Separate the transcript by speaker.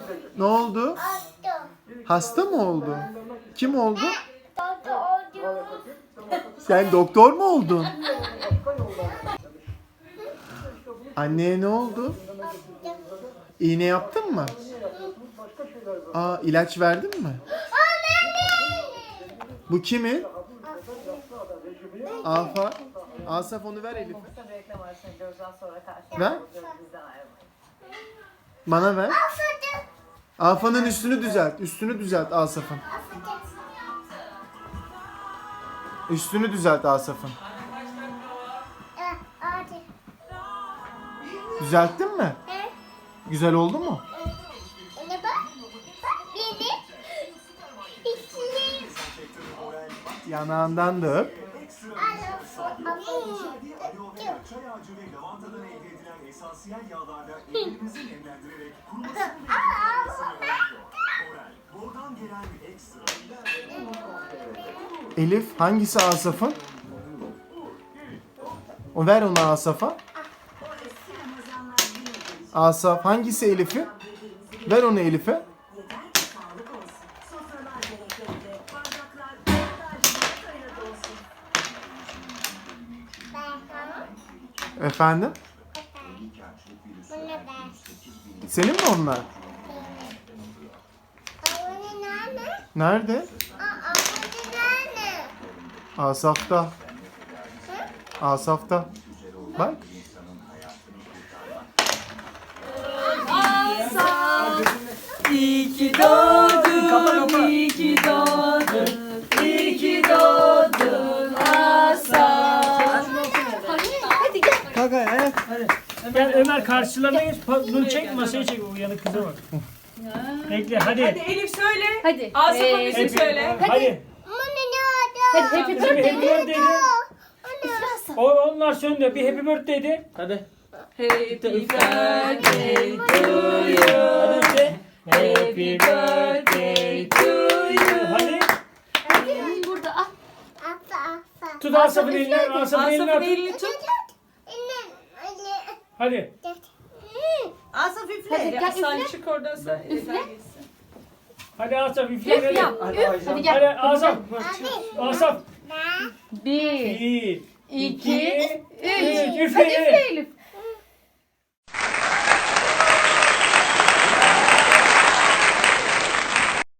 Speaker 1: Ne oldu? Hasta mı oldu? Kim oldu? Sen doktor mu oldun? Anneye ne oldu? İğne yaptın mı? Aa, ilaç verdin mi? Bu kimin? Afa. Asaf, onu ver Elif'e. Ver. Bana ver. Afa'nın üstünü düzelt. Üstünü düzelt Asaf'ın. Üstünü düzelt Asaf'ın. Düzelttin mi? Güzel oldu mu? Yanağından da öp.
Speaker 2: Çay ağacı ve lavantadan elde edilen esansiyel yağlarla ellerimizi nemlendirerek kurumasını Oral, buradan gelen ekstra.
Speaker 1: Elif, hangisi Asaf'ın? O, ver onu Asaf'a. Asaf, hangisi Elif'in? Ver onu Elif'e. Efendim? Senin mi onlar? Nerede? Asaf'ta. Asaf'ta. Bak.
Speaker 3: İyi ki doğdun, iyi ki doğdun, iyi ki doğdun Asaf. Hadi gel.
Speaker 4: Kalk ayağa. Hadi. Gel Ömer, karşılarına geç. Bunu çek, masaya çek. O yanık kıza bak. Bekle, hadi.
Speaker 3: Hadi Elif söyle.
Speaker 5: Hadi.
Speaker 3: Asaf'a bir şey söyle.
Speaker 4: Hadi.
Speaker 5: Hadi happy
Speaker 4: Happy
Speaker 5: birthday.
Speaker 4: birthday de. Onlar söndü. Bir happy birthday de. Hadi.
Speaker 3: Happy birthday to you.
Speaker 4: Hadi işte.
Speaker 3: Happy birthday to you.
Speaker 4: Hadi.
Speaker 5: Burada al.
Speaker 4: Tut Asaf'ın elini. Asaf'ın elini
Speaker 3: Asaf'ın
Speaker 4: at.
Speaker 3: elini tut.
Speaker 4: Hadi.
Speaker 3: Asaf üfle.
Speaker 5: Hadi, gel,
Speaker 3: Sen
Speaker 5: üfle.
Speaker 3: çık oradan sen.
Speaker 5: Üfle.
Speaker 4: Hadi Asaf üfle.
Speaker 5: Üf
Speaker 4: Hadi.
Speaker 5: yap. Üf. Hadi gel.
Speaker 4: Hadi Asaf. Asaf.
Speaker 5: 1,
Speaker 4: 1,
Speaker 5: 2, 3.
Speaker 4: Üfle.
Speaker 5: Hadi üfle Elif.